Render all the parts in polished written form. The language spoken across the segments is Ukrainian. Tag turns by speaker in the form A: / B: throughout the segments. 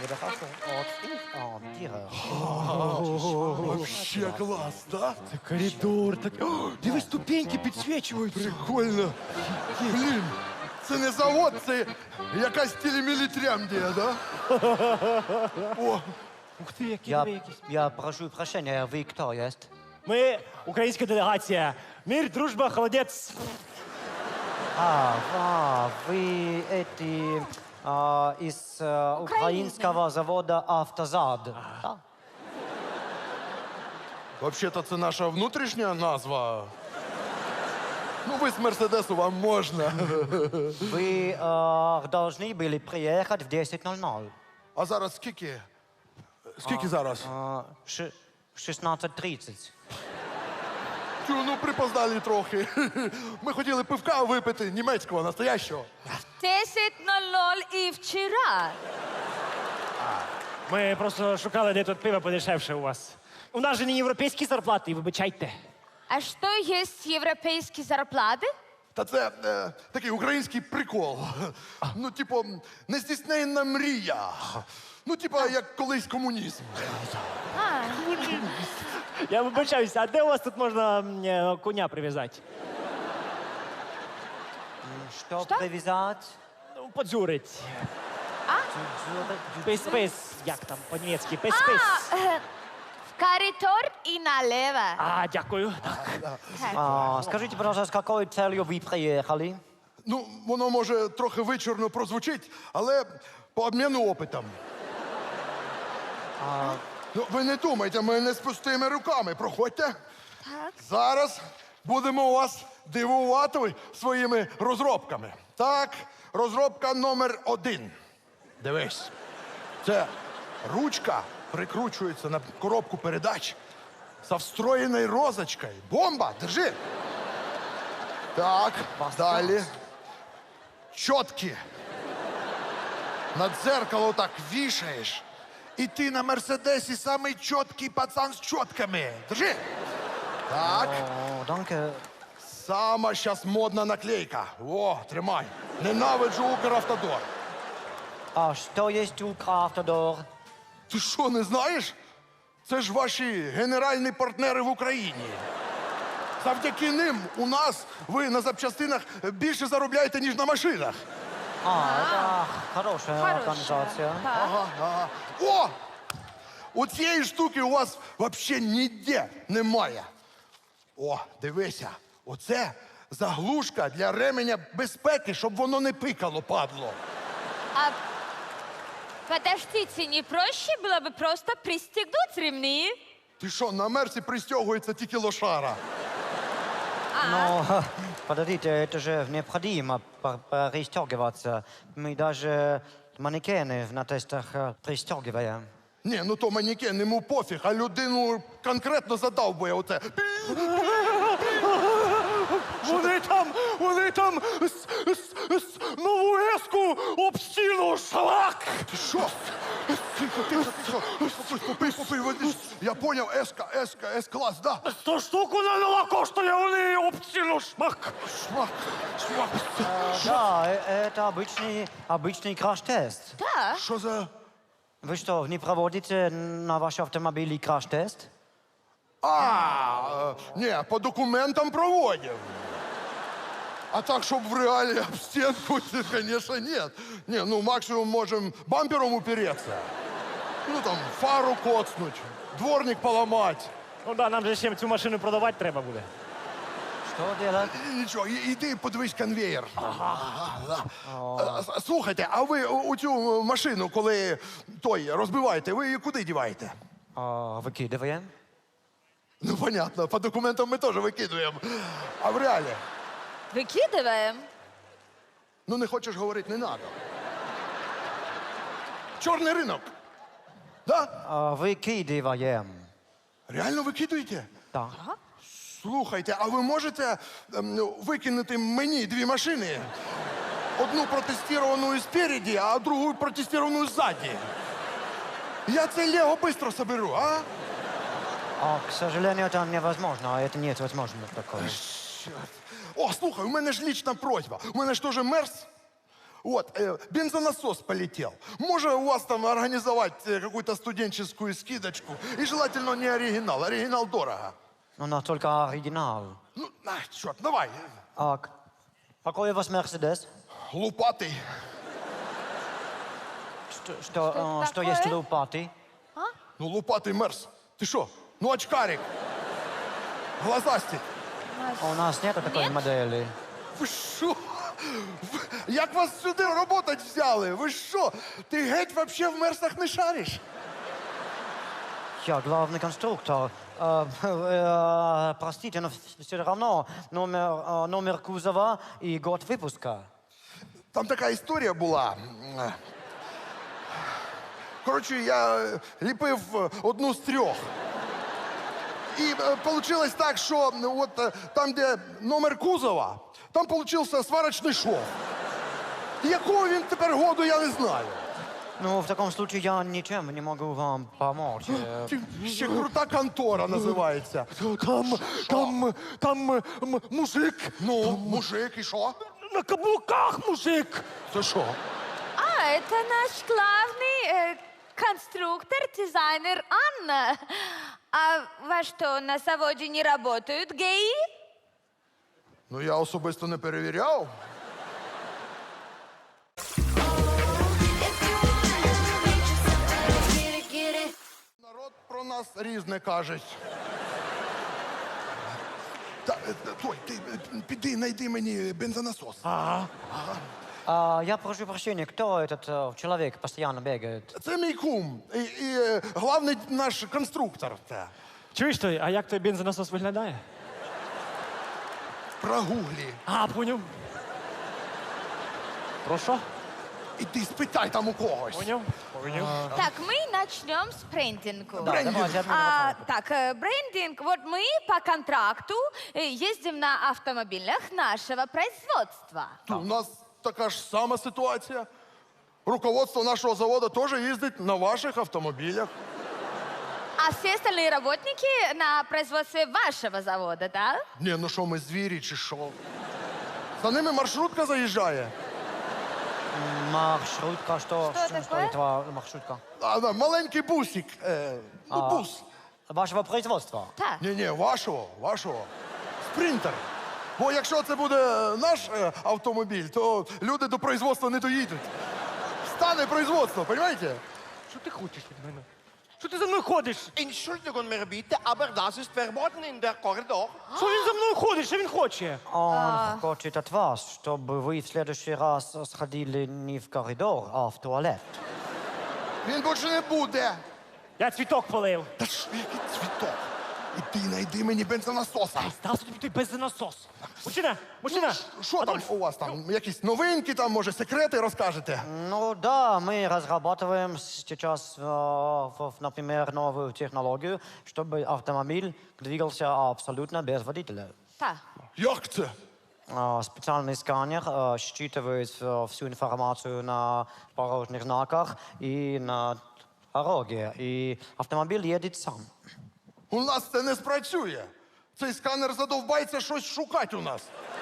A: Вообще клас, да?
B: Це коридор. Так... О, диви, ступеньки підсвічуються.
A: Прикольно. Блін, це не завод, це якась телемілітрямдія, да? О,
B: Ух ти, які
C: Я,
B: диви якісь.
C: я прошу прощения, вы кто есть?
B: Ми українська делегація. Мир, дружба, холодець.
C: Вы эти из украинского завода «Автозад». Да?
A: взагалі-то це наша внутрішня назва. Ну, ви з Мерседесу, вам можна.
C: Вы должны были приехать в 10:00.
A: А зараз скільки? Скільки зараз?
C: 16:30.
A: Ну, припоздали трохи. Ми хотіли пивка випити, німецького, настоящого.
D: 10:00 і вчора.
B: Ми просто шукали, де тут пиво подешевше у вас. У нас же не європейські зарплати, вибачайте.
D: А що є європейські зарплати?
A: Та це такий український прикол. Ну, типу, нездійсненна мрія. Ну, типу, як колись комунізм.
B: Я вибачаюся, а де у вас тут можна коня прив'язати?
C: Что привязать?
B: Ну, подзюрить. Пис-пис. Як там по-німецьки? Пис-пис.
D: В коридор і налево.
B: А, дякую.
C: Скажите, пожалуйста, с какой целью вы приехали?
A: Ну, воно може трохи вичорно прозвучить, але по обміну опитом. Ну, ви не думайте, ми не з пустими руками. Проходьте.
D: Так.
A: Зараз будемо вас дивувати своїми розробками. Так, розробка номер 1. Дивись. Це ручка прикручується на коробку передач со встроєною розочкою. Бомба! Держи! Так, далі. Чотки. На дзеркало так вішаєш. І ти на Мерседесі самий чіткий пацан з чотками. Держи! Так.
C: О, danke.
A: Сама щас модна наклейка. О, тримай. Ненавиджу Укравтодор.
C: А что есть Укравтодор?
A: Ти що, не знаєш? Це ж ваші генеральні партнери в Україні. Завдяки ним у нас ви на запчастинах більше заробляєте, ніж на машинах.
C: Это хорошая организация.
A: Ага, ага. О! У цієї штуки у вас взагалі ніде немає. О, дивися, оце заглушка для ременя безпеки, щоб воно не пикало, падло.
D: А подождите, не проще было бы просто пристегнуть ремни?
A: Ти що, на мерці пристягується тільки лошара?
C: Но, подождите, это же необходимо пристегиваться. Мы даже манекены на тестах пристегиваем.
A: Ні, ну то манекен, йому пофіг, а людину конкретно задовбує оце.
B: Вони там нову еску об стіну шлак.
A: Ти що? Попий, води. Я поняв, С-клас, да?
B: 100 штук вона нова коштує, вони об стіну шмак.
A: Шмак.
C: Да, это обычный краш-тест.
D: Да.
A: Що за...
C: Вы что, не проводите на ваш автомобиль краш-тест?
A: Ні, по документам проводив. А так, щоб в реалі об стінку, звісно, ні. Ні, ну максимум можемо бампером упереться. Ну там фару коцнуть, дворник поламати.
B: Ну да, нам же ще цю машину продавати треба буде.
C: Что делать?
A: Нічого, іди подивись конвеєр. Слухайте, а ви у цю машину, коли той розбиваєте, ви її куди діваєте?
C: Выкидываем.
A: Ну, понятно, по документам ми теж викидуємо. А в реалі?
D: Выкидываем.
A: Ну, не хочеш говорити, не треба. Чорний ринок. Да?
C: Выкидываем.
A: Реально викидуєте?
C: Да.
A: Слухайте, а ви можете викинути мені 2 машини? Одну протестованную спереди, а другую протестованную сзади. Я це Лего быстро соберу, а?
C: К сожалению, это невозможно. Это нет возможности такого.
A: О, слухай, у мене ж лічна просьба. У мене ж теж мерз. Вот, бензонасос полетел. Можно у вас там организовать какую-то студенческую скидочку? И желательно не оригинал. Оригинал дорого.
C: У нас только оригинал.
A: Ну, черт, давай.
C: А какой у вас Мерседес?
A: Лупатый.
C: Что
D: такое?
C: есть лопаты?
A: Ну, лупатый Мерс. Ты что? Ну, очкарик. Глазастик.
C: У нас нету такой модели.
A: Ви що? Як вас сюди работать взяли? Ви що? Ти геть вообще в мерсах не шариш?
C: Я главный конструктор. Простите, но все равно номер кузова и год выпуска.
A: Там така історія була. Коротше, я ліпив одну з трьох. І вийшло так, що от там, де номер кузова, там получився сварочний шов. Якого він тепер году, я не знаю.
C: Ну, в таком случае я ничем не могу вам помочь.
A: Ще крута контора називається.
B: Там мужик.
A: Ну, мужик, і що?
B: На каблуках мужик.
A: Це що?
D: А, это наш главный конструктор, дизайнер Анна. А во что, на заводе не работают геи?
A: Ну, я особисто не перевіряв. Народ про нас різне каже. Той, ти піди, знайди мені бензонасос.
C: Я прошу прощения, кто этот человек постоянно бегает?
A: Це мій кум. І головний наш конструктор. Це.
B: Чуєш той, а як той бензонасос виглядає?
A: Прогуглі.
B: А, поняв. Про що?
A: Іди спитай там у когось.
B: Поняв? Поняв.
D: Так, мы начнем с брендинга.
A: Брендинг.
C: Давайте одну
D: Так, брендинг. Вот мы по контракту ездим на автомобилях нашего производства.
A: У нас така ж сама ситуація. Руководство нашого заводу теж їздить на ваших автомобілях.
D: А все остальные работники на производстве вашего завода, да?
A: Ні, ну що, ми звірі чи що? За ними маршрутка заїжджає.
C: Маршрутка, что
D: такое?
C: это маршрутка?
A: Да, маленький бусик. Ну, бус.
C: Вашего производства?
D: Так.
A: Ні, вашого. Спринтер. Бо якщо це буде наш автомобіль, то люди до производства не доїдуть. Стане производство, розумієте?
B: Що ти хочеш від мене? Що ти за мною ходиш?
E: Entschuldigung, mir bitte, aber das ist verboten in der Korridor.
B: Що він за мною ходить? Що він хоче?
C: Он хочет от вас, чтобы вы в следующий раз сходили не в коридор, а в туалет.
A: Він більше не буде.
B: Я цвіток полив.
A: Та ж який цвіток. Іди, знайди мені бензонасоса.
B: Став собі той бензонасос. Мужчина!
A: Що там у вас там? Якісь новинки, там, може, секрети розкажете?
C: Ну да, мы разрабатываем сейчас, например, новую технологию, чтобы автомобиль двигался абсолютно без водителя.
D: Так.
A: Як це?
C: Специальный сканер считывает всю информацию на дорожных знаках и на дороге, и автомобиль едет сам.
A: У нас це не спрацює. Цей сканер задовбається щось шукати у нас.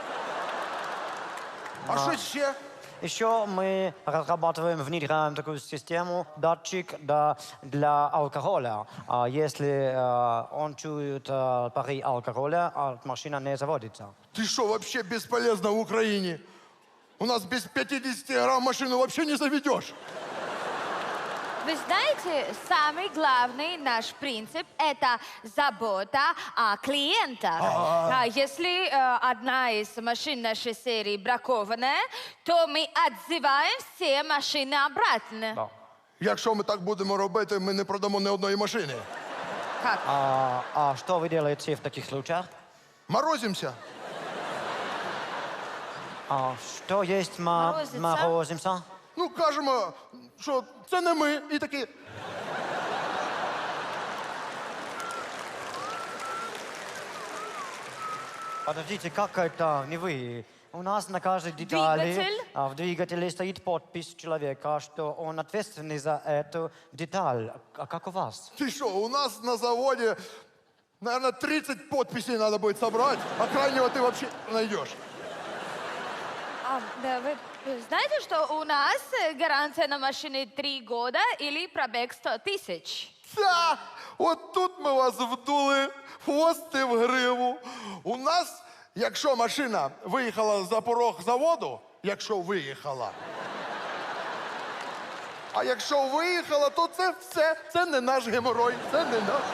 A: А що ще?
C: Еще мы разрабатываем, внедряем такую систему, датчик для алкоголя. Если он чует пары алкоголя, машина не заводится.
A: Ти що, вообще безполезно в Україні? У нас без 50 грамм машину вообще не заведешь.
D: Вы знаете, самый главный наш принцип – это забота о клиентах. Если одна из машин нашей серии бракованная, то мы отзываем все машины обратно.
C: Да.
A: Якщо ми так будемо робити, ми не продамо ні одної машини.
D: Как?
C: А что вы делаете в таких случаях?
A: Морозимося.
C: Что есть
D: Морозится?
C: морозимся?
A: Ну, кажемо, що це не ми. І такі,
C: Подождите, как это не вы? У нас на каждой детали
D: Двигатель?
C: в двигателе стоит подпись человека, что он ответственный за эту деталь. А как у вас?
A: ти що, у нас на заводі, наверное, 30 подписей надо будет собрать, а крайнего ты вообще найдешь.
D: Да, вы Знаете, что у нас гарантия на машины 3 года или пробег 100 тысяч?
A: Та, от тут ми вас вдули, хвости в гриву. У нас, якщо машина виїхала за порог заводу, якщо виїхала. А якщо виїхала, то це все, це не наш геморой, це не наш.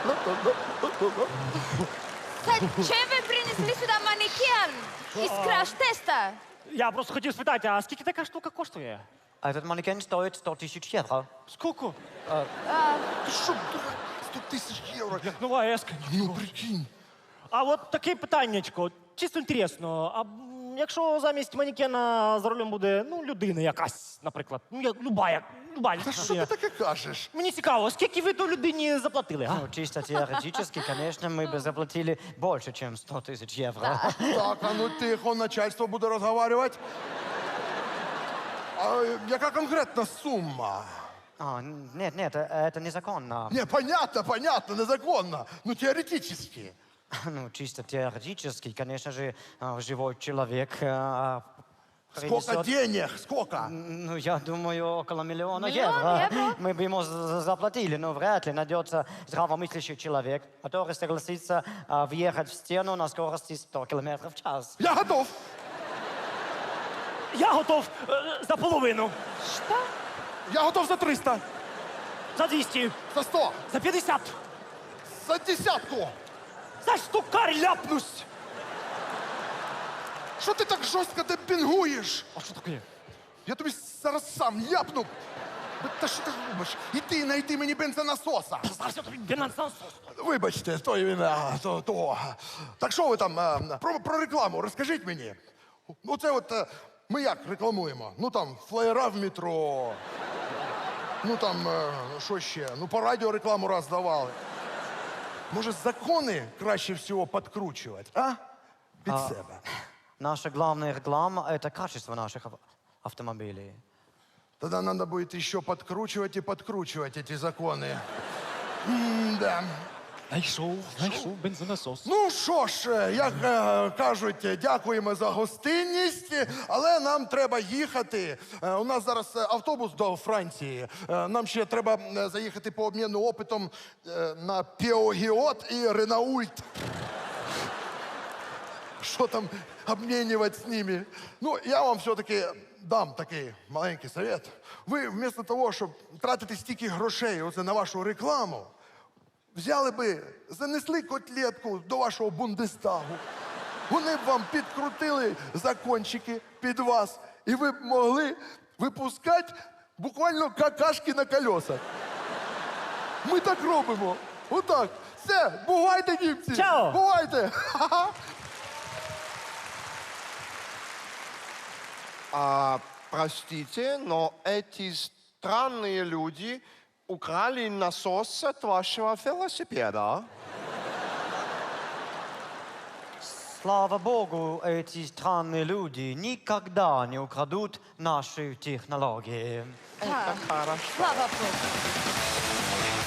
D: Зачем вы принесли сюда манекен из краш-теста?
B: Я просто хотів спитати, а скільки така штука коштує?
C: Этот манекен стоит 100 тысяч евро.
B: Скільки?
A: Ти що, 100 тисяч євро?
B: Як нова еска.
A: Ну, прикинь.
B: А от таке питаннячко, чисто інтересно, а якщо замість манекена за рулем буде, ну, людина якась, наприклад, ну, люба.
A: Та що ти таке кажеш?
B: Мені цікаво, скільки ви то людині заплатили, а?
C: Ну, чисто теоретически, конечно, мы бы заплатили больше, чем 100 тысяч евро.
A: Так, а ну тихо, начальство буде розговорювати. А яка конкретна сума?
C: А, нет, это незаконно.
A: Не, понятно, незаконно. Ну, теоретически.
C: Ну, чисто теоретически, конечно же, живой человек
A: Сколько
C: принесет...
A: денег? Сколько?
C: Ну, я думаю, около миллиона
D: Миллион
C: евро.
D: евро?
C: Мы бы ему заплатили, но вряд ли найдется здравомыслящий человек, который согласится въехать в стену на скорости 100 км в час.
A: Я готов.
B: Я готов за половину,
D: Что?
A: Я готов за 300,
B: за 200,
A: за 100,
B: за 50,
A: за десятку.
B: за штукарь ляпнусь.
A: Що ти так жорстко демпінгуєш?
B: А що таке?
A: Я тобі зараз сам ляпну. Та що ти робиш? Іди, знайди мені бензонасоса.
B: Зараз я тобі бензонасос.
A: Вибачте, то вина, то. Так що ви там, про рекламу розкажіть мені. Ну це от, ми як рекламуємо? Ну там, флеєра в метро. Ну там, що ще? Ну по радіо рекламу раз давали. Може, закони краще всього підкручувати, а? Під себе.
C: Наша главная реклама – это качество наших автомобилей.
A: Тогда надо будет еще подкручивать и подкручивать эти законы. Да.
B: Знайшов бензонасос.
A: Ну що ж, як кажуть, дякуємо за гостинність, але нам треба їхати. У нас зараз автобус до Франції. Нам ще треба заїхати по обміну опитом на Пеогіот і Ренаульт. Що там обмінювати з ними? Ну, я вам все-таки дам такий маленький совет. Ви вместо того, щоб тратити стільки грошей оце на вашу рекламу, взяли би, занесли котлетку до вашого Бундестагу. Вони б вам підкрутили закончики під вас, і ви б могли випускати буквально какашки на колесах. Ми так робимо. Отак. Все, бувайте, німці!
B: Чао!
A: Бувайте! Ха-ха.
E: Простите, но эти странные люди украли насос от вашего велосипеда.
C: Слава богу, эти странные люди никогда не украдут наши технологии.
D: Да.
E: Хорошо.
D: Слава Богу.